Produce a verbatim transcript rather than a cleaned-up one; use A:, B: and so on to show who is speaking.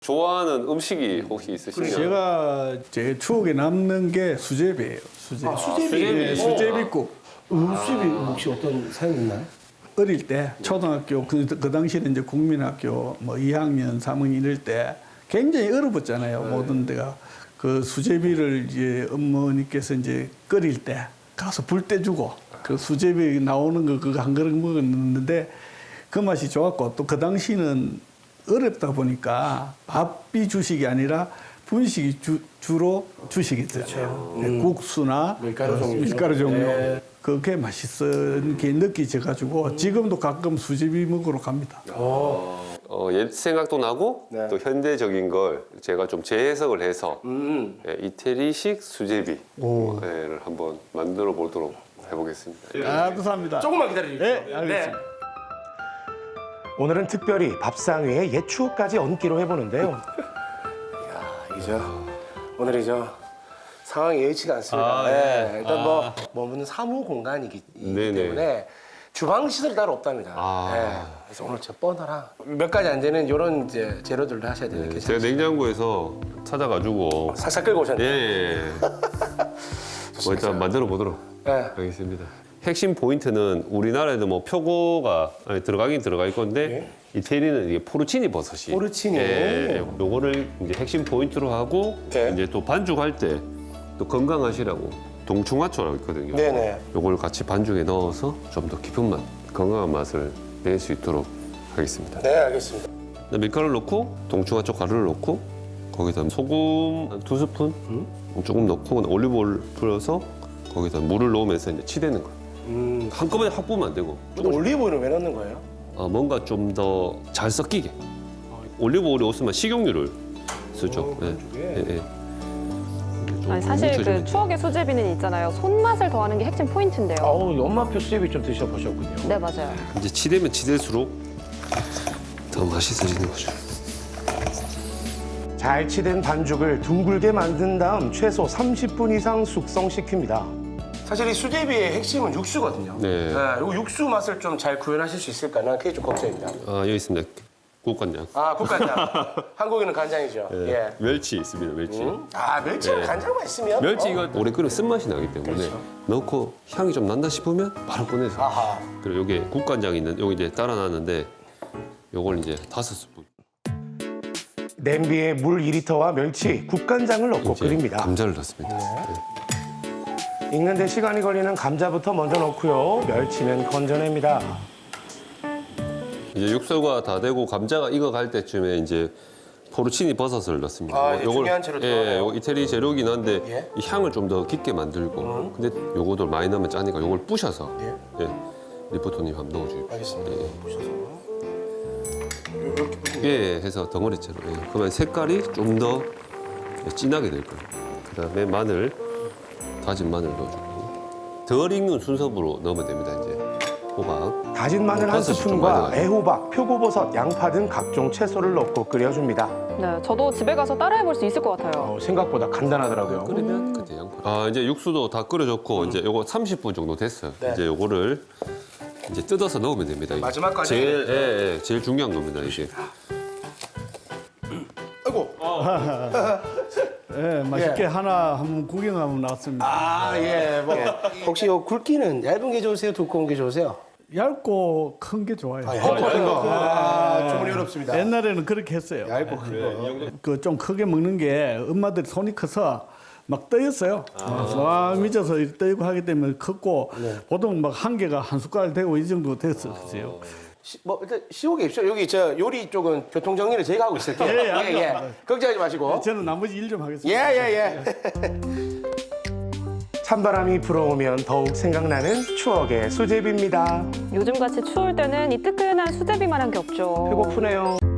A: 좋아하는 음식이 혹시 있으신가요?
B: 제가 제 추억에 남는 게 수제비예요. 수제비.
C: 아, 수제비.
A: 수제비.
B: 네, 수제비국.
C: 아, 수제비 혹시 어떤 사연 있나요?
B: 어릴 때 초등학교 그, 그 당시에는 이제 국민학교 뭐 이 학년, 삼 학년 이럴 때 굉장히 얼어붙잖아요. 모든 데가 그 수제비를 이제 어머니께서 이제 끓일 때 가서 불 떼주고 그 수제비 나오는 거 그거 한 그릇 먹었는데 그 맛이 좋았고 또 그 당시는 어렵다 보니까 밥이 주식이 아니라 분식이 주, 주로 주식이잖아요. 네, 국수나
C: 밀가루
B: 어,
C: 종류.
B: 밀가루 종류.
C: 네.
B: 그게 맛있은 게 느끼져가지고 지금도 가끔 수제비 먹으러 갑니다.
A: 어, 옛 생각도 나고
C: 네.
A: 또 현대적인 걸 제가 좀 재해석을 해서
C: 음.
A: 예, 이태리식 수제비를 한번 만들어 보도록 해보겠습니다.
B: 아, 감사합니다.
C: 조금만 기다려주십시오.
B: 네, 알겠습니다.
D: 오늘은 특별히 밥상 위에 옛 추억까지 얹기로 해보는데요.
C: 이야, 이죠. 오늘이죠. 상황이 예의치가 않습니다.
A: 아,
C: 네,
A: 예.
C: 일단 뭐 머무는 사무 공간이기
A: 네네.
C: 때문에 주방 시설이 따로 없답니다.
A: 아.
C: 네, 그래서 오늘 저 뻔하랑 몇 가지 안 되는 이런 이제 재료들도 하셔야 되는 게
A: 네, 제가 냉장고에서 찾아가지고
C: 살짝 끌고
A: 예,
C: 오셨네요.
A: 예. 뭐 일단 만들어 보도록
C: 네.
A: 하겠습니다. 핵심 포인트는 우리나라에도 뭐 표고가 아니, 들어가긴 들어갈 건데 이태리는 이게 포르치니 버섯이
C: 포르치니.
A: 예, 요거를 이제 핵심 포인트로 하고
C: 네.
A: 이제 또 반죽할 때 또 건강하시라고 동충하초라고 있거든요.
C: 네네.
A: 요걸 같이 반죽에 넣어서 좀 더 깊은 맛, 건강한 맛을 낼 수 있도록 하겠습니다.
C: 네, 알겠습니다.
A: 밀가루를 넣고 동충하초 가루를 넣고 거기다 소금 한 두 스푼 조금 넣고 올리브오일 뿌려서 거기다 물을 넣으면서 이제 치대는 거예요.
C: 음.
A: 한꺼번에 확 부으면 안 되고
C: 근데 올리브오일은 왜 넣는 거예요?
A: 어, 뭔가 좀 더 잘 섞이게. 올리브오일이 없으면 식용유를 쓰죠.
C: 어,
A: 예.
C: 반죽에?
A: 예, 예. 좀
E: 아니, 사실 그
A: 뭉쳐지면
E: 추억의 수제비는 있잖아요. 손맛을 더하는 게 핵심 포인트인데요.
D: 어우, 엄마표 수제비 좀 드셔보셨군요.
E: 네, 맞아요.
A: 이제 치대면 치댈수록 더 맛있어지는 거죠.
D: 잘 치댄 반죽을 둥글게 만든 다음 최소 삼십 분 이상 숙성시킵니다.
C: 사실 이 수제비의 핵심은 육수거든요.
A: 네.
C: 이 육수 맛을 좀 잘 구현하실 수 있을까? 난 그게 좀 걱정입니다.
A: 아, 여기 있습니다. 국간장.
C: 아, 국간장. 한국에는 간장이죠.
A: 예.
C: 예.
A: 멸치 있습니다. 멸치.
C: 음? 아, 멸치는
A: 예.
C: 간장만 있으면.
A: 멸치
C: 어.
A: 이거 오래 끓이면 쓴맛이 나기 때문에
C: 그렇죠.
A: 넣고 향이 좀 난다 싶으면 바로 꺼내서.
C: 아하.
A: 그리고 여기 국간장 있는 여기 이제 따라 놨는데 요걸 이제 다섯 스푼.
D: 냄비에 물 이 리터와 멸치, 국간장을 넣고
A: 이제
D: 끓입니다.
A: 감자를 넣습니다. 네.
D: 익는데 시간이 걸리는 감자부터 먼저 넣고요. 멸치는 건져냅니다.
A: 이제 육수가 다 되고 감자가 익어갈 때쯤에 이제 포르치니 버섯을 넣습니다.
C: 아,
A: 요-
C: 이게
A: 요걸-
C: 중요한 재료
A: 예,
C: 들어가네요.
A: 요거 이태리 재료긴 한데
C: 예.
A: 이 향을 좀 더 깊게 만들고 근데 요거도 많이 넣으면 짜니까 요걸 부셔서
C: 예.
A: 예. 리포토님 한번 넣어주십시오.
C: 알겠습니다.
A: 예.
C: 보셔서.
A: 예, 예, 해서 덩어리째로. 예. 그러면 색깔이 좀 더 진하게 될 거예요. 그다음에 마늘, 다진 마늘 넣어주고 덜 익는 순서로 넣으면 됩니다. 이제 호박.
D: 다진 마늘 한
A: 버섯이 좀
D: 스푼과
A: 많이 들어가요.
D: 애호박, 표고버섯, 양파 등 각종 채소를 넣고 끓여줍니다.
E: 네, 저도 집에 가서 따라해볼 수 있을 것 같아요.
D: 어, 생각보다 간단하더라고요.
A: 끓이면 그때 양파. 아 이제 육수도 다 끓여졌고 이제 요거 삼십 분 정도 됐어요.
C: 네.
A: 이제 요거를 이제 뜯어서 넣으면 됩니다. 이게.
C: 마지막까지?
A: 제일 예, 예, 제일 중요한 겁니다 이게.
C: 아이고.
B: 예, 맛있게 하나 한번 구경하면 나왔습니다.
C: 아, 예. 뭐. 혹시 요 굵기는 얇은 게 좋으세요? 두꺼운 게 좋으세요?
B: 얇고 큰 게 좋아요.
C: 아, 얇고 큰 거. 아, 주문이 어렵습니다.
B: 옛날에는 그렇게 했어요.
C: 얇고 큰 거.
B: 그 좀 크게 먹는 게 엄마들이 손이 커서 막 떠였어요. 와 미쳐서 이렇게 떠이고 하기 때문에 컸고 보통 막 한 개가 한 숟갈 되고 이 정도 됐었어요.
C: 시, 뭐 일단 시옥에 입죠. 여기 저 요리 쪽은 교통 정리를 제가 하고 있을게요.
B: 예, 예,
C: 예, 예. 걱정하지 마시고.
B: 저는 나머지 일 좀
C: 예,
B: 하겠습니다.
C: 예, 예.
D: 찬바람이 불어오면 더욱 생각나는 추억의 수제비입니다.
E: 요즘같이 추울 때는 이 뜨끈한 수제비만한 게 없죠.
D: 배고프네요.